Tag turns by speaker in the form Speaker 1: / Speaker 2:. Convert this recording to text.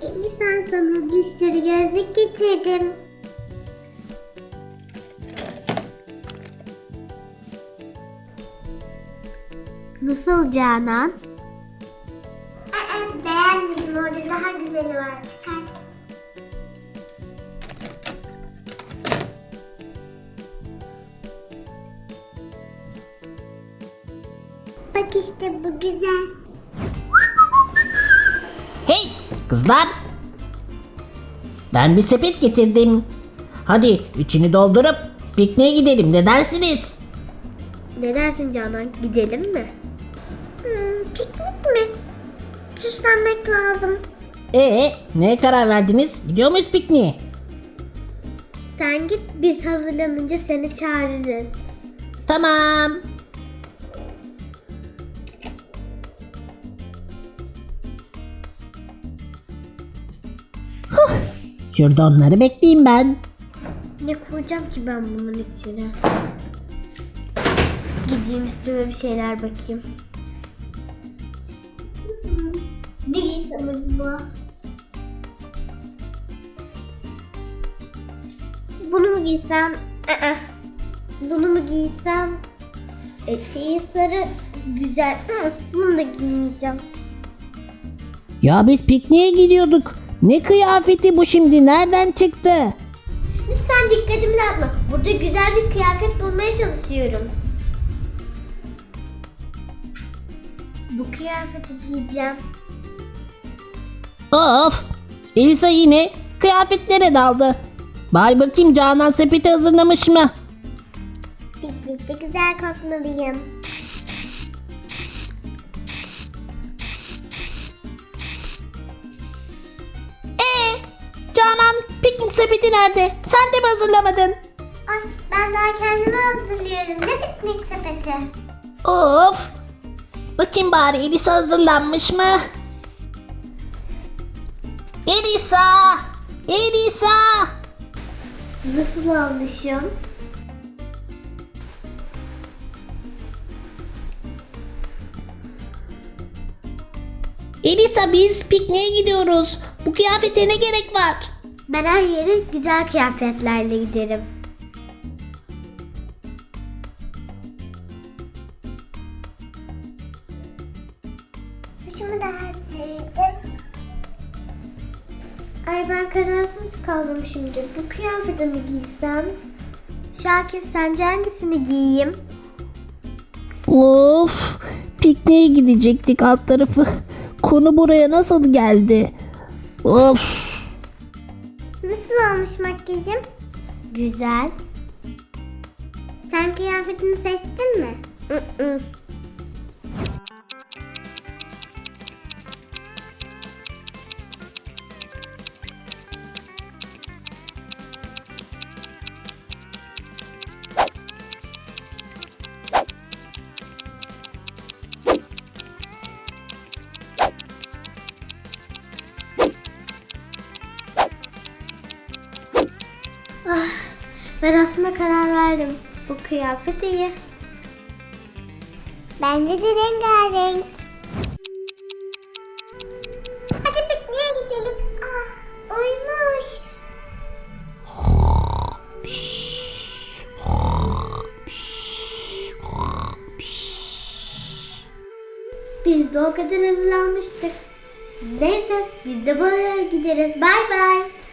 Speaker 1: Elisa, sana bir sürü gözlük getirdim. Nasıl Canan? Beğenmedim, orada daha güzeli var. Çıkar. Bak işte bu güzel.
Speaker 2: Hey kızlar. Ben bir sepet getirdim. Hadi içini doldurup pikniğe gidelim, ne dersiniz?
Speaker 1: Ne dersin Canan? Gidelim mi? Piknik mi? Süslenmek lazım.
Speaker 2: Neye karar verdiniz? Gidiyor muyuz pikniğe?
Speaker 1: Sen git, biz hazırlanınca seni çağırırız.
Speaker 2: Tamam. Şurada onları bekleyeyim ben.
Speaker 1: Ne koyacağım ki ben bunun içine? Gideyim üstüme bir şeyler bakayım. Ne giysem acaba? Bunu mu giysem? Bunu mu giysem? Eteği sarı, güzel. Bunu da giymeyeceğim.
Speaker 2: Ya biz pikniğe gidiyorduk. Ne kıyafeti bu şimdi? Nereden çıktı?
Speaker 1: Lütfen dikkatimi dağıtma. Burada güzel bir kıyafet bulmaya çalışıyorum. Bu kıyafeti giyeceğim.
Speaker 2: Of! Elisa yine kıyafetlere daldı. Bari bakayım Canan sepeti hazırlamış mı?
Speaker 1: Piknikte güzel kokmalıyım.
Speaker 2: Canan piknik sepeti nerede? Sen de mi hazırlamadın?
Speaker 1: Ay, ben daha kendimi hazırlıyorum. Ne piknik sepeti?
Speaker 2: Of! Bakayım bari Elisa hazırlanmış mı? Elisa! Elisa!
Speaker 1: Nasıl olmuşum?
Speaker 2: Elisa, biz pikniğe gidiyoruz. Bu kıyafete ne gerek var?
Speaker 1: Ben her yere güzel kıyafetlerle giderim. Saçımı da hazırladım. Ay, ben kararsız kaldım şimdi. Bu kıyafeti mi giysem? Şakir, sence hangisini giyeyim?
Speaker 2: Of! Pikniğe gidecektik, alt tarafı. Konu buraya nasıl geldi? Of!
Speaker 1: Nasıl olmuş makyajım? Güzel. Sen kıyafetini seçtin mi? Ben aslında karar verdim. Bu kıyafet iyi. Bence de rengarenk. Hadi pikniğe gidelim. Uyumuş. Biz de o kadar hazırlanmıştık. Neyse, biz de buraya gideriz. Bay bay.